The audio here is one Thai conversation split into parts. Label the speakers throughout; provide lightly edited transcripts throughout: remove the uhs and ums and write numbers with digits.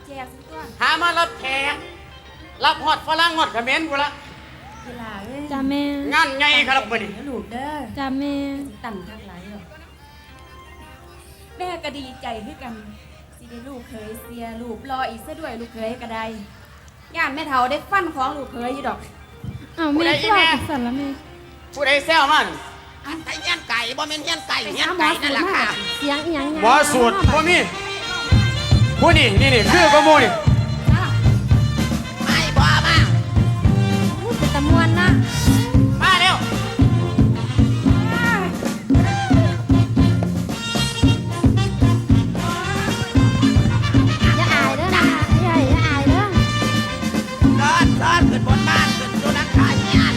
Speaker 1: แจกสิตัว
Speaker 2: หามารับแขกรับฮอดฝรั่งฮอดเขมรกูละ
Speaker 1: กีฬาเอ้ย
Speaker 3: จ้าแม่
Speaker 2: งานใหญ่ครับมื้อนี้
Speaker 1: ลูกเด้อ
Speaker 3: จ้าแม่
Speaker 1: ตั้งทักหลายหรอกแม่ก็ดีใจคือกันสิได้ลูกเคยเสียลูกรออีกซะด้วยลูกเคยก็ได้ย่านแม่เฒ่าได้ฟันของลูกเคยอยู่ดอก
Speaker 3: อ้าวแม่ก็บอกสั่นละแม่
Speaker 2: ผู้ใดแซวมัน
Speaker 4: อันไทยเฮียนไก่บ่แม่นเฮียนไก่เฮียนไก่นั่นแหละค่ะ
Speaker 3: เสียงอีหยัง
Speaker 2: หมอสูตรบ่มีผู้นี่นี่คือก็หมู่นี่
Speaker 4: ไม่บ่มา
Speaker 3: พูดเป็นตะมวนนะ
Speaker 2: มาเร็ว
Speaker 3: อย่าอายเด้อนะอย่าอายเด้อ
Speaker 4: ซ้อนขึ้นบนบ้านขึ้นดูนักขายเฮียน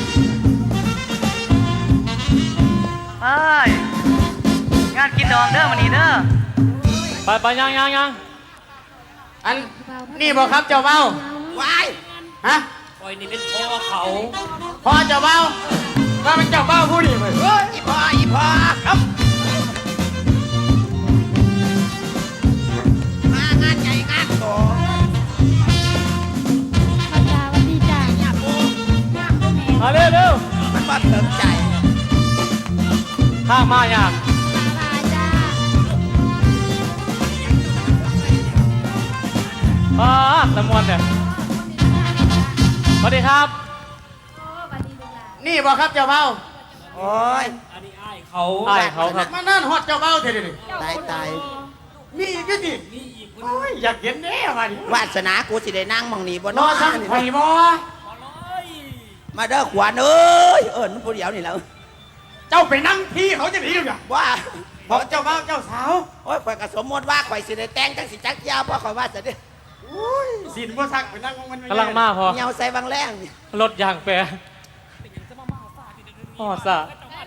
Speaker 5: เอ้ยงานกินดองเด้อมันนี่เด้อไปยัง
Speaker 2: อันนี่บ่ครับเจ้าเบ้าว
Speaker 4: าย
Speaker 2: ฮะ
Speaker 5: คอยนี่เป็นพ่อเขา
Speaker 2: พอเจ้าเบ้าว่าเป็นเจ้าเบ้าผู้นี่เว้ย
Speaker 4: อีพ่อครับมางานใหญ่งานโต
Speaker 3: พระจ้าวันดีจ้า
Speaker 4: เนี่ยปู
Speaker 5: มาเร็ว
Speaker 4: มันบ่เติมใจ
Speaker 5: ข้างมาอยาก
Speaker 3: บายจ้า
Speaker 5: ตะมวนเนี่ยสวัสดีครับ
Speaker 1: โอ้บัดนี้ลูกหลาน
Speaker 2: นี่บ่ครับเจ้าเบ้า
Speaker 4: โอ้ย
Speaker 5: อันนี้อ้ายเขาครับ
Speaker 2: มานั่นฮอดเจ้าเบ้าเถิดนี่
Speaker 4: ตาย
Speaker 2: มีอีกอยู่ติโอ้ยอยากเห็นแน่มาดิ
Speaker 4: วาสนากูสิได้นั่งมองนี่บ่
Speaker 2: ร
Speaker 4: เนาะ
Speaker 2: อสั่งไข่บ่
Speaker 4: มาเด้อขวานเอ้ยมันผู้เดียวนี่แหล้ว
Speaker 2: เจ้าไปนั่งที่เขาจะหนีอยู่อ่ะ
Speaker 4: ว่า
Speaker 2: บอกเจ้าเบ้าเจ้าสาว
Speaker 4: โอ้ยข่อยก็สมมติว่าข่อยสิได้แต่งจังสิจักยาวเพราะข่อยว่าจะได้
Speaker 2: สินบ่ซักไปนั่งมัน
Speaker 5: กำลังมาพอ
Speaker 4: เหี่ยวใส่บางแรงนี่
Speaker 5: รถยางแปรพ่อซะ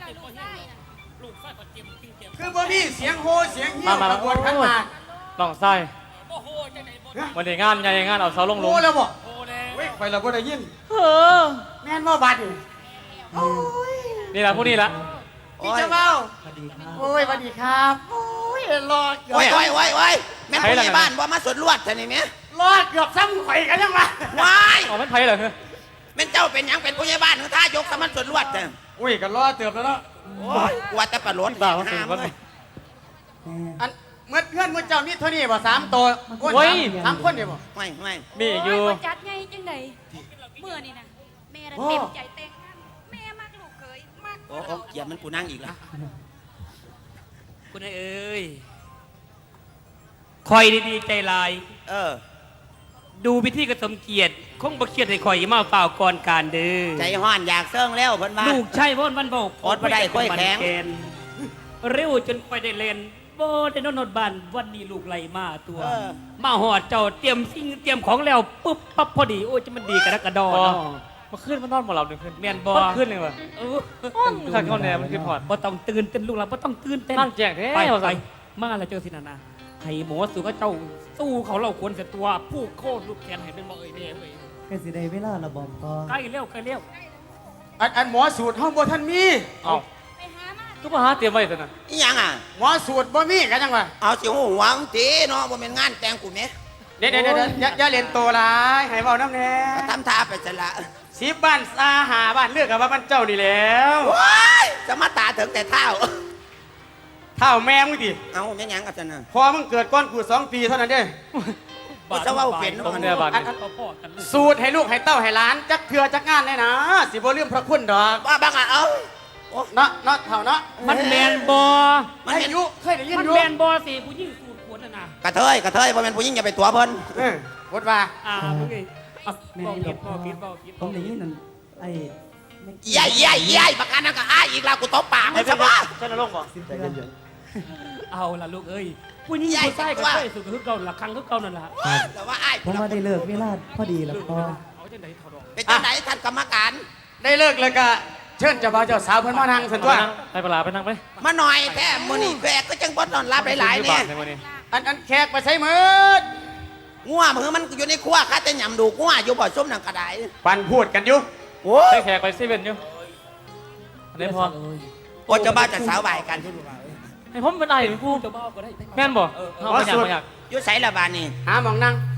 Speaker 2: คือบ่มีเสียงโฮเสียงเหี้ย
Speaker 5: มา
Speaker 2: ขบวนขันหมาก
Speaker 5: ลองไส้วันนี้งานใหญ่งานเอาเสาลง
Speaker 2: โฮแล้วบ่เว้ยข่อยละบ่ได้ยิน
Speaker 5: เออ
Speaker 2: แม่นบ่บัดนี่โอ้ย
Speaker 5: นี่แหละผู้นี้ละ
Speaker 2: พี่เจ้าเบ้าโอ้ยสวัสดีครับโอ้ยรอเกือบ
Speaker 4: โอ้ยแม่นผู้ใหญ่บ้านบ่มาสวนลวดท่านี่แม่
Speaker 2: รอเกือบซ้ำข่อยกันยังวะ
Speaker 4: วาย
Speaker 5: อ๋อมันไผ่เหรอ
Speaker 4: แม่นเจ้าเป็นหยังเป็นผู้ใหญ่บ้านถึงท่ายกสมันสวนลวดเด้อ
Speaker 2: อุ้ยก็รอเติบแล้วเนาะ
Speaker 4: โอ้ยกว่าแต่ปลาหลน
Speaker 5: ด่าเขาสิ
Speaker 4: ห้าม
Speaker 5: คน
Speaker 4: เลย
Speaker 2: อันเมื่อเพื่อนเมื่อเจ้ามีเท่านี้บ่3ตัวโอ้ยสามคนเดียวบ่
Speaker 4: ไม่
Speaker 5: มีอยู่
Speaker 1: โบ่จัดไงจังไดเมื่อนี่นะแม่น่ะเต็มใจแต่งงานแม่มักลูกเคยมัก
Speaker 4: โอ้เกียรมันกูนั่งอีกแล้ว
Speaker 6: คุณเอ้ยคอยดีๆใจลาย ดูพิธีกระสมเกียรติคงประเคียดให้คอยมาเปล่าก่อนการเด้อ
Speaker 4: ใจห้อนอยากเซิงแล้วเพิ่นว่า
Speaker 6: ลูกใช่พ่นวันบอก
Speaker 4: อดบ่ได้ค่อยแข็ง
Speaker 6: นเร็วจนคอยได้เล่นบ่ได้นอนบ้านวันนี้ลูกไหลมาตัว มาหอดเจ้าเตรียมสิ่งเตรียมของแล้วปุ๊บปั๊บพอดีโอ้ยจะมันดีกระดักกระดอ
Speaker 5: พอ
Speaker 6: เนาะ
Speaker 5: มาขึ้นมันนอนหมดเราหนึ่งขึ้น
Speaker 6: แม่นบ่
Speaker 5: มันขึ้นเลยว่ะ
Speaker 6: เออ
Speaker 5: ข้างเข้าแนวมันขึ้นพอด
Speaker 6: บ่ต้องตื่นเต้นลูกเราบ่ต้องตื่นเต้น
Speaker 5: นั่งแจ้งแท้
Speaker 6: ไป
Speaker 5: เอา
Speaker 6: ไป
Speaker 5: ใส่
Speaker 6: มาแล้วเจอสินานาให้หมอสู่ก็เจ้าสู้เขาเราควรเสียตัวผู้โคตรลูกแขนให้เป็นบ่เอ้ยแม่เอ้ย
Speaker 7: ก็สิได้เวลาระบอมพอ
Speaker 6: ใกล้เร็วใกล้เร็ว
Speaker 2: อันหมอสูตรห้องบ่ทันมี
Speaker 5: เอา
Speaker 1: ไปหามา
Speaker 5: ก็มาหาเตรียมไว้แต่น่ะ
Speaker 4: อีหยังอ่ะ
Speaker 2: หมอสูตรบ่มีกันยังวะ
Speaker 4: เอาสิหูหวังตีเนาะบ่แม่นงานแต่งกูแม่
Speaker 2: เดี๋ยวอย่าเล่นโตหลายให้เว้าน้ำแน่
Speaker 4: ก็ทำท่าไปซะละ
Speaker 2: 10บ้านซาหาบ้านเลือกกับว่ามันเจ้านี่แล้ว
Speaker 4: ว้ายจะมาตาถึงแต่เท้า
Speaker 2: เท่าแม่มึงดิ
Speaker 4: เอาแม่นหยังกันซะน่ะ
Speaker 2: พอมึงเกิดก่อนกู2 ปีเท่านั้นเด้
Speaker 4: กูจะเว้าเป็น
Speaker 5: ตรงเนี่ยบาด
Speaker 6: เขาพ่อกันลูก
Speaker 2: สูตรให้ลูกให้เต้าให้หลานจักเทือจักงานแน่นะสิบ่ลืมพระคุณดอก
Speaker 4: ว่าบางอ่ะเอาโอ้
Speaker 2: เนาะเท่าเนาะ
Speaker 6: มันแมนบอ
Speaker 4: มัน
Speaker 2: ให้
Speaker 4: เป็น
Speaker 2: ยุเคยได้ยิน
Speaker 6: มัน
Speaker 2: อยู่
Speaker 6: แมนบอสิผู้ยิ่งสูตรขวดน่ะนะ
Speaker 4: กระเทยบ่แม่นผู้หญิงอย่าไปตัวเพิ่น
Speaker 2: บทว่า
Speaker 6: มึงไงบอกผิดบอกผิดบอกผิด
Speaker 7: ผมได้ยินนั่นไอ้
Speaker 4: ใหญ่ประกันนั่นก็อ้ายอีกแล้วกูตบปากมันซะบ่
Speaker 5: ใช่นรกบ่
Speaker 7: สิบเดือน
Speaker 6: เอาล่ะลูกเอ้ยผู้ยิ่งผู้ใต้ก็ใช่สุดคือเก่าละครั้งคือเก่านั่นแหละ
Speaker 4: แต่ว่าอ้าย
Speaker 7: ผมว่าได้เลิกเวลาพอดีแล้วพอ
Speaker 6: เอาจังไหนถอดออก
Speaker 4: เป็นจังไดท่านกรรมการ
Speaker 2: ได้เลิกเลยก็เชิญเจ้าบ่าวเจ้าสาวเพิ่นมานั่งสันตัว
Speaker 5: ไปปลาไปนั่งไป
Speaker 4: มาหน่อยแท้มื้อนี้แขกก็จังบ่นอนรับหลายๆเนี่ย
Speaker 5: ในวันนี้
Speaker 2: อันแขกไปใช้มืด
Speaker 4: งัวมือมันอยู่ในครัวข้าแต่ยำดูงัวอยู่บ่ส้มนังกระได
Speaker 2: ปันพูดกันอยู่
Speaker 4: โอ้
Speaker 5: ได้แขกไปเซเว่นอยู่อันนี้พอ
Speaker 4: โอ้เจ้าบ้าวจะสาวใบายกัน
Speaker 5: ให้ผมเป็นไอ้เป็นผู้
Speaker 6: เจ้าบ้าก็ได้
Speaker 5: แม่นบ่เอาไปอยาก
Speaker 4: อยู่ไสละบานนี่
Speaker 2: หาหมองนั่ง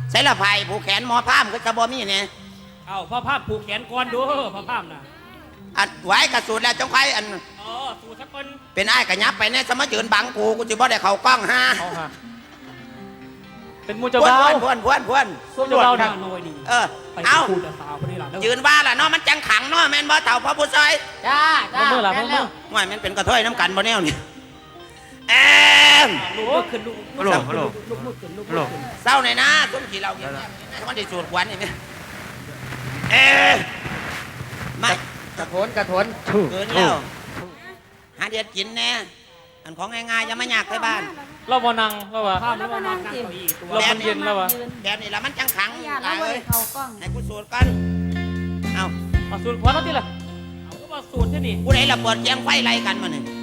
Speaker 4: ใส่ละไผ่ผูกแขนหมอพามก็จะบ่มีเนี่ย
Speaker 6: เอาพ่อภาพผูกแขนก่อนดูพ่อภาพน่ะ
Speaker 4: อันไว้กระสุนแล้วจงไฟอัน
Speaker 6: อ๋อสู่สักคน
Speaker 4: เป็นอ้ายกระยับไปเนี่ยสมายืนบังกูจะบ่ได้เข้ากล้องฮะ
Speaker 5: เอาฮะเป็นหมูเจ้า
Speaker 4: พวน
Speaker 5: บ่าว
Speaker 4: พวนพวนพวน
Speaker 5: หมูเจ้าบ่าว
Speaker 6: ห
Speaker 5: นะ
Speaker 6: น้าหน่อยดี
Speaker 4: เออ
Speaker 6: ไป
Speaker 4: เอา
Speaker 6: คู่แต่สาวคนนี้ล่ะ
Speaker 4: ยืนว่าล่ะเนาะมันจังขังเนาะแม่นบ่เต่าพ่อผู้ซอย
Speaker 2: จ้าจ้า
Speaker 5: เมื่อไหร่
Speaker 2: แม่น
Speaker 5: เมื่
Speaker 2: แล้
Speaker 5: อ
Speaker 2: ว
Speaker 4: ว่ามันเป็นกระเทยน้ำกันบ่แนวนี่แอม
Speaker 6: ลูกขึ้นลูก
Speaker 5: ฮัลโหลฮัลโหล
Speaker 6: ลูกมือขึ้นลูก
Speaker 5: ฮัลโหล
Speaker 6: ขึ้น
Speaker 4: เศร้าหน่อยนะต้นขี้เราเนี่ยมันได้สูดควันนี่ไหมเอมไม่
Speaker 2: กระโถนกระโถน
Speaker 4: เกินแล้วหาเดียดกินแน่อันของง่ายๆอย่ามาอยากไปบ้าน
Speaker 5: เราบ่นั่งเราว่า
Speaker 6: ภาพแล้วก็นั่งเก้าอี้ตัว
Speaker 5: เรามันเย็นแล้ววะ
Speaker 4: แบบนี้ละมันจังขัง
Speaker 1: อย่าแล้วบ่ได้เข้ากล้อง
Speaker 4: ให้กูสูดก่อนเอา
Speaker 5: เอาสูตรควันเอาที่ละ
Speaker 6: เอาก็มาสูตรที่นี่
Speaker 4: ผู้ใดละเปิดแกงไฟไล่กันมาเนี่ย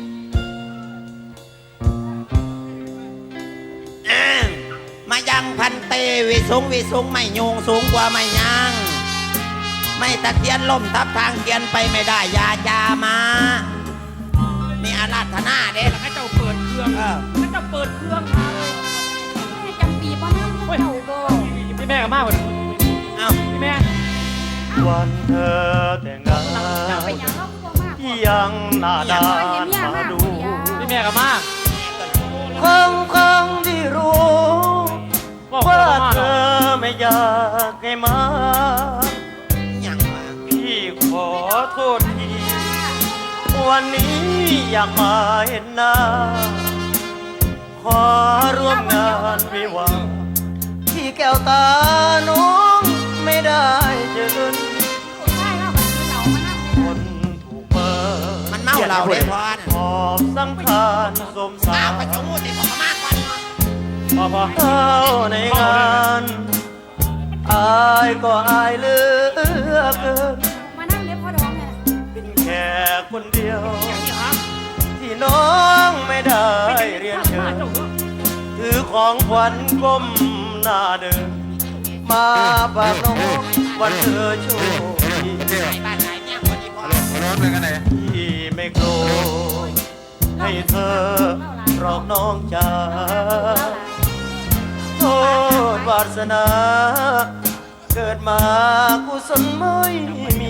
Speaker 4: มายังพันเตวิสุงไม่โยงสูงกว่าไม่ยางไม่ตะเคียนล่มทับทางเกียนไปไม่ได้ยาจามานี่อาราธนาเด้
Speaker 6: ให้เจ้าเปิดเครื่องให้เจ้าเปิดเครื่องมาเลย
Speaker 1: แม่จำปีบ่นำเจ้าบ่
Speaker 5: พี่แม่กับมากกว่า
Speaker 4: เอา
Speaker 5: พี่แม่
Speaker 8: วันเธอแต่งงาน
Speaker 1: เจ้าไปหยังเราคือบ่มาก
Speaker 8: ที่ยังหน้าด้านมาดู
Speaker 5: พี่แม่กับมาก
Speaker 8: ครั้งที่รู้
Speaker 5: บอก
Speaker 8: ว่า
Speaker 5: ว่ามา
Speaker 8: เธ
Speaker 5: เนาะ
Speaker 8: อไม่อยากให้มา
Speaker 4: อย่างว่า
Speaker 8: พี่ขอโทษทีวันนี้อยากมาเห็นหน้า ขอร่วมงานวิวาห์ที่แก้วตาน้องไม่ได้เจอ
Speaker 1: ใช่เราแบบนี้เรามานั่ง
Speaker 8: คนถูกเปิด
Speaker 4: มันเมาเราได้พอนะ
Speaker 8: ขอบสังขารสมสา
Speaker 4: เอา
Speaker 8: ร
Speaker 4: ไปสมมุติผมมากกว่า
Speaker 5: พอ
Speaker 8: เข้าในงานอายก็อายเหลือเกิน
Speaker 1: มานั่งเด้อพ่อดองเนี่ย
Speaker 8: เป็นแค่คนเดียว ที่น้องไม่ได้เรียนเชิญถือของขวัญก้มหน้าเดิน มาฝากน้องวันเธอโชคดี
Speaker 4: ไหนบ้านไหนเนี่ยคนนี้พอ
Speaker 8: ที่ไม่โกรธให้เธอรอกน้องจากโทษวาสนา เกิดมากุศลไม่มี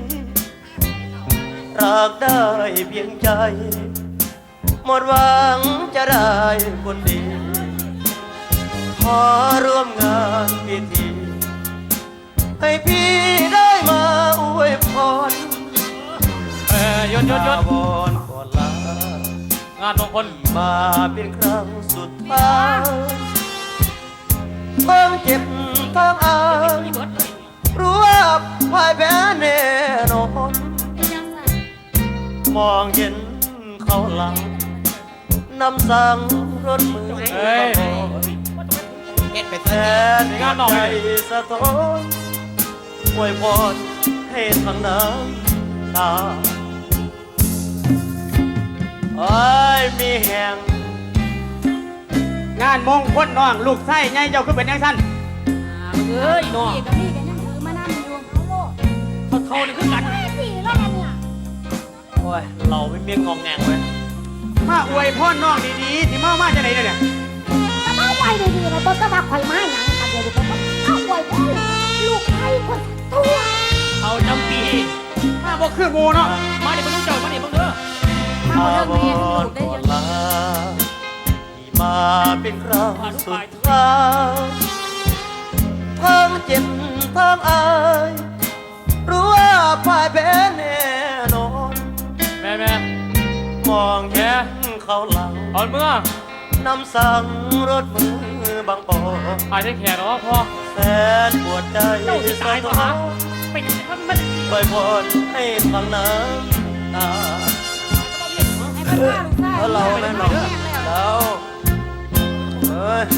Speaker 8: รักได้เพียงใจ หมดหวังจะได้คนดี ขอร่วมงานพิธี ให้พี่ได้มาอวยพร
Speaker 5: ยน
Speaker 8: ลาบอนก่อนลาง
Speaker 5: านมงคล
Speaker 8: มาเป็นครั้งสุดท้ายต้องเจ็บต้องอายรู้ว่าพ่ายแพ้แน่นอน
Speaker 1: เป็นยังไง
Speaker 8: มองเห็นเขาหลังนำสั่งรถมือ
Speaker 5: เฮ้ย
Speaker 4: เฮ็ดไป
Speaker 8: แท
Speaker 4: เถอะ
Speaker 8: นหัวใจสะท้อนอวยพรให้ทั้งน้ำตาไอ้ายมีแห่ง
Speaker 2: งานมงคลน้องลูกไส้ไงเจ้าคือเป็นยังสั้น
Speaker 6: เอ้ยน้อง
Speaker 1: พี่กับพี่กันยังถือมานั่งอยู่เอาโลด
Speaker 6: เขานี่คือกัน
Speaker 1: พี่แล้วกันเนี่ย
Speaker 8: โอ้ยเราไม่มีงองแงงเว้ย
Speaker 2: มาอวยพ่อน้องดีๆที่มาจะไหนเนี่ย
Speaker 3: ก็มาไว้ดีๆนะต้นก็มาคอยไม้หนังกันเดี๋ยวดูก็เอาไว้พ่อลูกไทยคนตัว
Speaker 6: เอาจำปี
Speaker 2: มาบ่คือหมูเนาะ
Speaker 6: มาดิเพิ่งรู้เจ้ามาดิเพิ่งเด้อ
Speaker 1: มา
Speaker 8: อา
Speaker 1: เรื่อง
Speaker 8: บ
Speaker 1: เมีย
Speaker 8: อ
Speaker 1: ให้
Speaker 8: น
Speaker 1: ลูกได้
Speaker 8: ก่อ
Speaker 1: เย
Speaker 8: น
Speaker 1: อะ
Speaker 8: ลาที่มาเป็นครั้งสุดท้ายทั้งเจ็บทั้งอายรู้ว่าพ่ายแพ้แน่นอน
Speaker 5: แม่
Speaker 8: มองเห็นเขาหลัง
Speaker 5: ตอนเมื่อน
Speaker 8: ำสั่งรถมือบางปอ
Speaker 5: อายได้แขกหรอพ่อ
Speaker 8: แสนปวดใจ
Speaker 6: เจ้าสิ
Speaker 8: สะ
Speaker 6: ตายตัว
Speaker 8: ท้อ
Speaker 6: หาน เป็นมัน
Speaker 8: ไว้พรให้ฟังน้ำตา
Speaker 1: ให้เพื่อนๆลูกชาย
Speaker 8: แล้วเราแน่นอนแล้วเอ้ย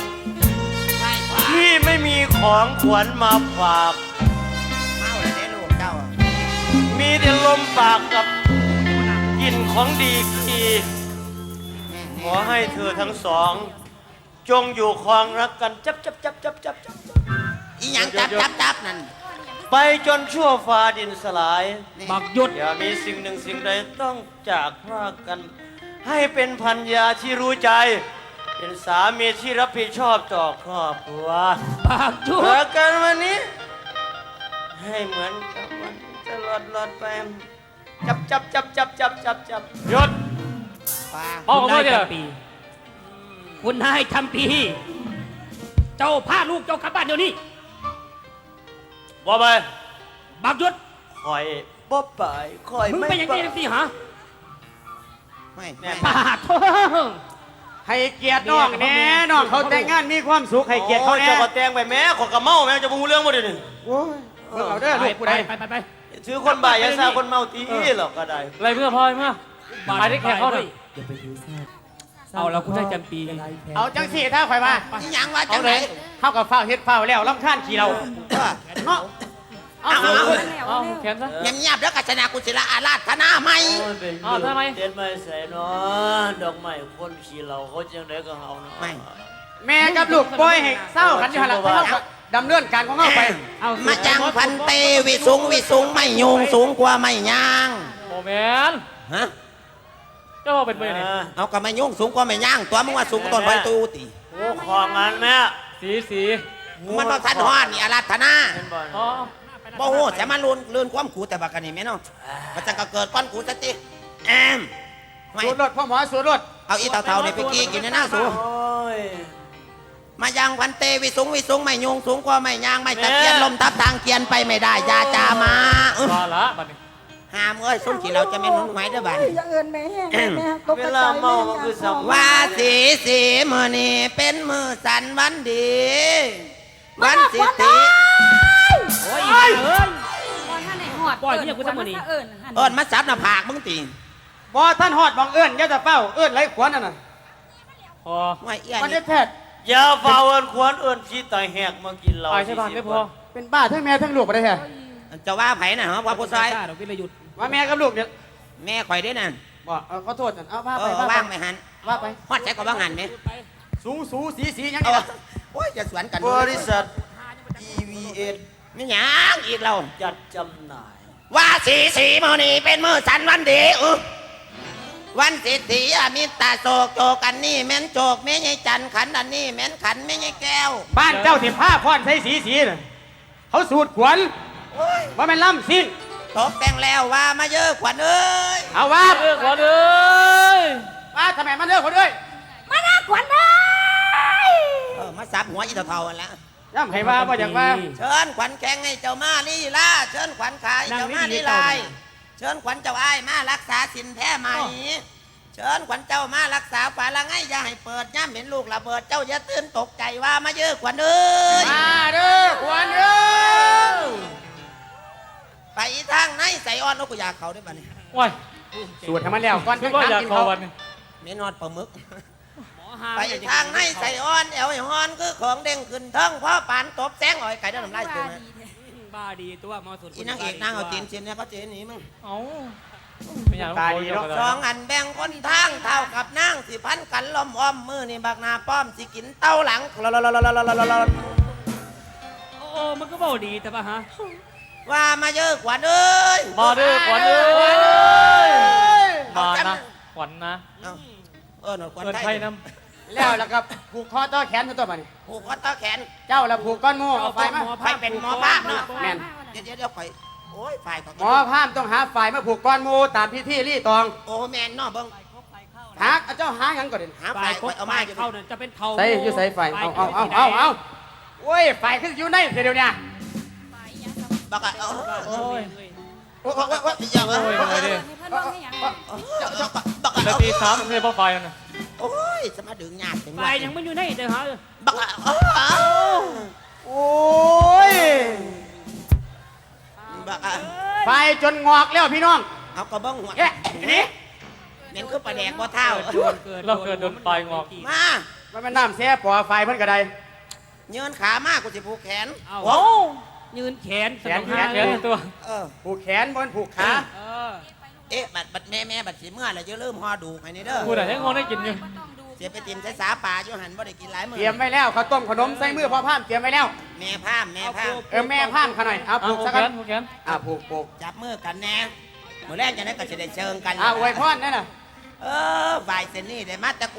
Speaker 8: พี่ไม่มีของขวัญมาฝาก
Speaker 4: เมาเลยเด้ลูกเจ้า
Speaker 8: มีแต่ลมปากกับกลิ่นของดีกีขอให้เธอทั้งสอง จงอยู่ครองรักกันจับ
Speaker 4: อีหยังจับนั่น
Speaker 8: ไปจนชั่วฟ้าดินสลาย
Speaker 6: บักหยุด
Speaker 8: อย่ามีสิ่งหนึ่งสิ่งใดต้องจากพรากกัน ให้เป็นพันยาที่รู้ใจเป็นสามีที่รับผิดชอบต่อครอบครัว
Speaker 6: ปากจุ
Speaker 8: เจอ
Speaker 6: ด
Speaker 8: กันวันนี้ ให้เหมือนกับวันจะหลอดไปจับ
Speaker 5: หยุด
Speaker 4: ป้า
Speaker 5: พ่อของ
Speaker 6: นาย
Speaker 5: เขาเดี๋ยว
Speaker 6: จำปีคุณนายจำปีเจ้าพาลูกเจ้ากลับบ้านเดี๋ยวนี้
Speaker 8: บ่ไป
Speaker 6: บักยุด
Speaker 8: คอยบ่ไปคอย
Speaker 6: มึง
Speaker 8: ไม่
Speaker 6: เป็นยัง
Speaker 8: ไป
Speaker 6: ไงสิฮะ
Speaker 4: ไม่
Speaker 6: ปากโท
Speaker 2: ให้เกียรติน้องแน่น้องเขาแต่งงานมีความสุขให้เกียรติเขาแน่
Speaker 8: เจ้าก็แต่งไปแม่ขอกระเมาแม่จะบูเรื่องบ่เดี๋ยวนี้
Speaker 2: โอ้ยเบิ่งเอาเด้อ
Speaker 6: ไป
Speaker 2: ลูกผู้
Speaker 6: ไป
Speaker 2: ใด
Speaker 6: ไป
Speaker 8: ถือคนบ่ายอยาซาคนเมาตีหรอกก็ได้
Speaker 5: อะไรเพื่อพ่อเมื่อไปได้แขกเขาหน่อย
Speaker 7: อย่าไปถือซาด
Speaker 6: เอาแล้วคุณได้จำปี
Speaker 7: อะไรแพ้
Speaker 2: เอาจังสี่ถ้าข่อยมา
Speaker 4: นี่ยังว่าจังไหน
Speaker 2: เข้ากับฝ้าวเฮ็ดฝ้าวแล้วลำคาญขี้เราเนาะเอา
Speaker 4: เอา
Speaker 2: เอา
Speaker 5: เอาแขนซะ
Speaker 4: เงียบๆแล้วกัจนากุศิลาอาราธนาไหม
Speaker 5: เอาทำไม
Speaker 8: เต้นไม่ใส่เนาะดอกไม้คนขี้เราเขาจังไดก็เฮาเนาะ
Speaker 4: ไม่
Speaker 2: แม่กับลูกปล่อยให้เศร้ากันอยู่หั่นล่ะเขาก็ดำเนินการของเขาไป
Speaker 6: เอา
Speaker 4: มาจังพันเตวิสุงไม่โยงสูงกว่าไม่ยาง
Speaker 5: โมเมน
Speaker 4: ฮะ
Speaker 5: เจ้าเป็นไปไหน
Speaker 4: เอากับไม่โยงสูงกว่าไม่ยางตัวมึงว่าสูงกว่าต้นไม้ตูติ
Speaker 8: โอ้ของงานแม่
Speaker 5: สี
Speaker 4: มันต้องทันฮอดนี่อาราธนา
Speaker 8: เป็นบ่
Speaker 5: อ๋อ
Speaker 4: บ่โหแต่มันลื่นความกูแต่บักกันนี่แม่เนาะมันจะก็เกิดก้อนกูสติแอมไม่
Speaker 2: สูดรถพ่อหมอสูดรถ
Speaker 4: เอาอีเต่าๆนี่ไปกี้กินในหน้าสู
Speaker 8: โอ้ย
Speaker 4: มายังพันเตวิสุงไม่โยงสูงกว่าไม่ยางไม่ตะเกียนลมทับทางเกียนไปไม่ได้ยาจามาเออ
Speaker 5: มาละบัดนี้
Speaker 4: ห้ามเอ้ยส้มขี่เราจะไม่นุ่นไหมเด้อบ้าน
Speaker 3: อย่าเอินแม่แห้งแม่ตก
Speaker 8: เว
Speaker 3: กระ
Speaker 8: ลา
Speaker 3: จาย
Speaker 8: เมามันคือสัม
Speaker 4: ว่าสีมือนี่เป็นมือสันวันดี วันสิทธิ
Speaker 6: โอ้ยเอ้ย
Speaker 1: บอท่านไหนหอด
Speaker 6: ปล่อยเมียกูซะมื้อนี้
Speaker 1: เอิญหัน
Speaker 4: เอิญมาซับหน้าผากมึงตี
Speaker 2: บ่ท่านฮอดบังเอิญอย่าจะเฝ้าเอิญไรขวัญนั่นน่ะ
Speaker 5: พอ
Speaker 4: ไม่เอี้ย
Speaker 2: มัน
Speaker 4: นี่
Speaker 2: ได้แพทย์
Speaker 8: อย่าเฝ้าเอิ้นควรเอิ้นขี้ตายแหกมากินเรา
Speaker 5: ไปใช่ป่ะไม่พอ
Speaker 2: เป็นบ้าทั้งแม่ทั้งลูกบ่ได้แท้
Speaker 4: จะว่าไผ่น่ะฮะว่าผู้ชาย
Speaker 6: ดอกวิรยุทธ์
Speaker 2: ว่าแม่กับลูกเนี่ย
Speaker 4: แม่ข่อยได้นั่น
Speaker 2: บ่เอาขอโทษนั่นเอาว่า
Speaker 4: เอ
Speaker 2: ไป
Speaker 4: อ
Speaker 2: ว่า
Speaker 4: ว่าง
Speaker 2: ไป
Speaker 4: ไม่หัน
Speaker 2: ว่าไป
Speaker 4: ฮอดใช้ก็ว่างหันไหม
Speaker 2: สูสีหยัง
Speaker 4: เอา
Speaker 2: นี่ล่ะ
Speaker 4: โอ้ยจะสวนกัน
Speaker 8: บริษัท EVS
Speaker 4: ไม่หยังอีกเรา
Speaker 8: จัดจำหน่าย
Speaker 4: ว่าสีมือนี่เป็นมือสันวันดีวันสิทธิอมิตาโศกโจกันนี่แม่นโจกแม่ใหญ่จันขันอันนี้แม่นขันแม่ใหญ่แก้ว
Speaker 2: บ้านเจ้าสิผ้าพรใส่สีน่ะเขาสูดขวัญว่าแม่นล่ำสิ้น
Speaker 4: ตกแต่งแล้วว่ามาเยอะขวัญเอ้ย
Speaker 2: เอาว่า
Speaker 5: ขอเลย
Speaker 2: ว่าทำไมมันเลิกคนด้วย
Speaker 3: มาหน้าขวัญเลย
Speaker 4: มาสับหัวอีเท่าๆกันละ
Speaker 2: ย่ำให้ว่าบ่อยากว่า
Speaker 4: เชิญขวัญแข่งให้เจ้ามาลีลาเชิญขวัญขายเจ้ามาลีลายเชิญขวัญเจ้าอ้ายมารักษาสินแท้ไหมเชิญขวัญเจ้ามารักษาฝาละไงอย่าให้เปิดย่ำเห็นลูกระเบิดเจ้าอย่าตื่นตกใจว่ามาเยอะขวัญเอ้ย
Speaker 2: มาเด้อขวัญเด้อ
Speaker 4: ไปทางไหนใส่อ้อนนกกระยาเขาได้ป่ะเนี่ย
Speaker 5: ว้าย
Speaker 2: สูดให้มันแล้วก่อน
Speaker 5: คิดว่าอยาก
Speaker 2: กิน
Speaker 5: ขอ
Speaker 2: เขา
Speaker 5: วันนี้
Speaker 4: ไม่นอนปลาหมึก
Speaker 6: หมอหา
Speaker 4: ไปทางไหนใส่อ้อนแอวไอ้ฮอนคือของเด้งขึ้นเทิงพ่อปานตบแสงอ่อยไก่ได้ทำไรตัวนะ
Speaker 6: บ้าดีตัวมอสุด
Speaker 4: อีนางเอกนางเอาจีนเชียนเนี่ยเขาเจนหนีมึง
Speaker 5: เอ้าไม่อยากขอเดียวกัน
Speaker 4: สองอันแบ่งคนทางเท่ากับนางสิพันกันล้อมอ้อมมือนี่บักนาป้อมสิกินเต้าหลัง
Speaker 6: โอ้มันก็เบาดีแต่ป่ะฮะ
Speaker 4: ว่ามาเยอะกว่าเอ้ย
Speaker 5: มาด้วยขวัญเลยมานะขวัญนะ
Speaker 4: หนวดควัน
Speaker 5: เงิน
Speaker 4: ไท
Speaker 5: ไท
Speaker 4: ย
Speaker 5: ยน้
Speaker 2: แล้วแล้วก็ผูกคอต่อแขนตัวมัน
Speaker 4: ผูกคอต่อแขน
Speaker 2: เจ้าแล้วผูกก้อนงูเอาไฟมา
Speaker 4: ไฟเป็นหมอภาพเนาะ
Speaker 2: แม่น
Speaker 4: เดี๋ยวข่อยโอ้ยไฟก็
Speaker 2: หมอพามต้องหาไฟมาผูกก้อนงูตามพิธีรีตอง
Speaker 4: โอ้แมนเนาะเบิ้ง
Speaker 2: หาเจ้าหาหยังก่อนเด่น
Speaker 4: หาไฟ
Speaker 6: ฝ่ายค
Speaker 4: ข่
Speaker 6: บ
Speaker 4: อยเอา
Speaker 6: ฝ่า
Speaker 4: มาอยู่
Speaker 6: ยเข้าเนี่ยจะเป็นเทา
Speaker 2: ใส่อยู่ใส่ไฟเอาโอ้ยไฟขึ้นอยู่ในเดี๋ยวนี้
Speaker 4: บักอะ
Speaker 5: ำโอ้ย
Speaker 2: โอ้ย
Speaker 4: ยัง
Speaker 5: โอ้ยโอ้ยดิ
Speaker 4: บัก
Speaker 5: นา
Speaker 4: อะ
Speaker 5: ที3เลยพ่อไฟนะ
Speaker 4: โอ้ยสมาดึงหยาดถึง
Speaker 6: ฝ่ายยังไม่อยู่ในเด้อฮะ
Speaker 4: บักอะ
Speaker 2: โอ้ย
Speaker 4: บักอะ
Speaker 2: ไฟจนงอกแล้วพี่น้อง
Speaker 4: เอากระบ้องหัว
Speaker 2: เอ๊ะนี่
Speaker 4: เหม็นคือปลาแดกบ่เท่า
Speaker 5: เราเกิดโดนไฟงอก
Speaker 4: มา
Speaker 2: มันเป็นน้ำแซ่ปอไฟเพิ่นกระได
Speaker 4: เงินขามากกูจะผูกแขน
Speaker 6: เอา
Speaker 4: โอ้
Speaker 6: ยืนแขน
Speaker 5: แขนตัว
Speaker 2: ผูกแขนบนผูกขา
Speaker 6: เออ
Speaker 4: เอ๊ะบัดแม่บัดสีเมื่อไรจะเริ่มห่อดูให้นี่เด้อ
Speaker 5: พูดอะไรให้งงได้กินอยู่
Speaker 4: เสียไปติมใช้สาป่าอยู่หันบ่ได้กินหลายมื้อ
Speaker 2: เตรียมไว้แล้วข้าวต้มขนมใส่มือพ่อพามเตรียมไว้แล้ว
Speaker 4: แม่พามแม่พาม
Speaker 2: แม่พามขาหน่อยเอา
Speaker 5: เอา
Speaker 2: ผูก
Speaker 5: ผู
Speaker 2: สั
Speaker 5: ก
Speaker 2: ก
Speaker 5: แข
Speaker 2: กัน
Speaker 5: นผูกแขน
Speaker 2: ผูก
Speaker 4: จับมือกันแน่มื้อแรกจะได้ก็จะได้เชิงกัน
Speaker 2: อวยพรนั่นน่ะ
Speaker 4: ฝ่ายเซนนี่ได้มาแต่